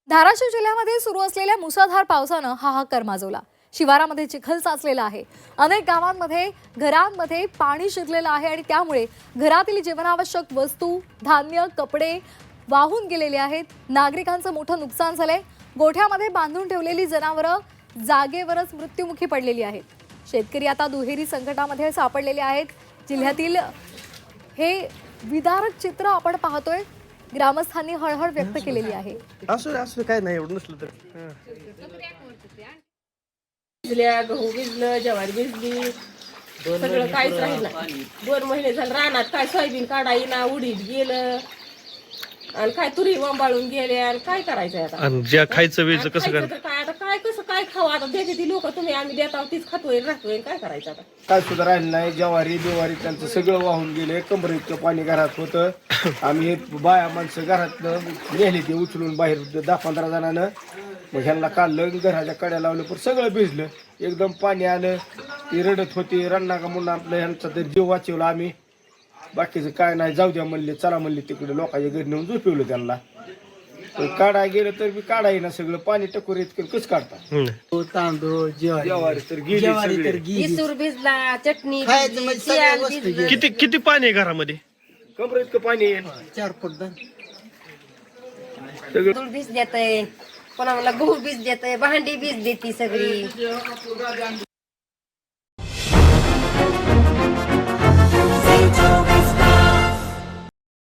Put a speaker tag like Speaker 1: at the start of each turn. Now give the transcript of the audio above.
Speaker 1: धाराशिव जिल्ह्यामध्ये सुरू असलेल्या मुसळधार पावसानं हाहाकार माजवला। शिवारामध्ये चिखल साचलेला आहे। अनेक गावांमध्ये घरांमध्ये पाणी शिरलेलं आहे आणि त्यामुळे घरातील जीवनावश्यक वस्तू, धान्य, कपडे वाहून गेलेले आहेत। नागरिकांचं मोठं नुकसान झालंय। गोठ्यामध्ये बांधून ठेवलेली जनावरं जागेवरच मृत्युमुखी पडलेली आहेत। शेतकरी आता दुहेरी संकटामध्ये सापडलेले आहेत। जिल्ह्यातील हे विदारक चित्र आपण पाहतोय। ग्रामस्थांनी हळहळ व्यक्त केलेली आहे।
Speaker 2: असं काय नाही एवढं नसलं तर
Speaker 3: भिजल्या, गहू भिजलं, ज्वारी भिजली, सगळं काहीच राहिलं नाही। 2 महिने झाले रानात काय सोयाबीन काढायला उडीद गेलं आणि काय तुरी वंबाळून गेल्या आणि काय करायचं आता।
Speaker 2: आणि ज्या खायचं वेळचं कसं
Speaker 3: खायचं तर काय आता काय कसं काय खावं आता देते ती लोक तुम्ही आम्ही देता तीच खातोय राहतोय काय करायचं आता।
Speaker 4: काय सुद्धा राहिलं नाही। ज्वारी बिवारी त्यांचं सगळं वाहून गेले। कमर इतकं पाणी घरात होतं। आम्ही बाया माणसं घरातनं नेली ते उचलून बाहेर 10-15 जणांना मग ह्यांना काढलं घराच्या कड्या लावलं पण सगळं भिजलं। एकदम पाणी आलं ती रडत होती रडना का म्हणून आपलं ह्यांचा तर जीव वाचवला आम्ही। बाकीचं काय नाही जाऊ द्या म्हणले चला म्हणले तिकडे लोकांच्या घरी नेऊन झोपवलं त्यांना। काढाय गेलं तर मी काढाय ना सगळं पाणी टकोर इतकं कसं काढता।
Speaker 5: तांदूळ
Speaker 4: ज्वारी तर गेली
Speaker 3: इसूर भिजला, चटणी भिजली, तेल भिजलं।
Speaker 2: किती पाणी आहे घरामध्ये?
Speaker 4: कमर इतकं पाणी येईल
Speaker 5: 4 फूट
Speaker 3: तांदूळ भिज देतय, कोणाला गहू भिज देतय, भांडी भिज देती सगळी।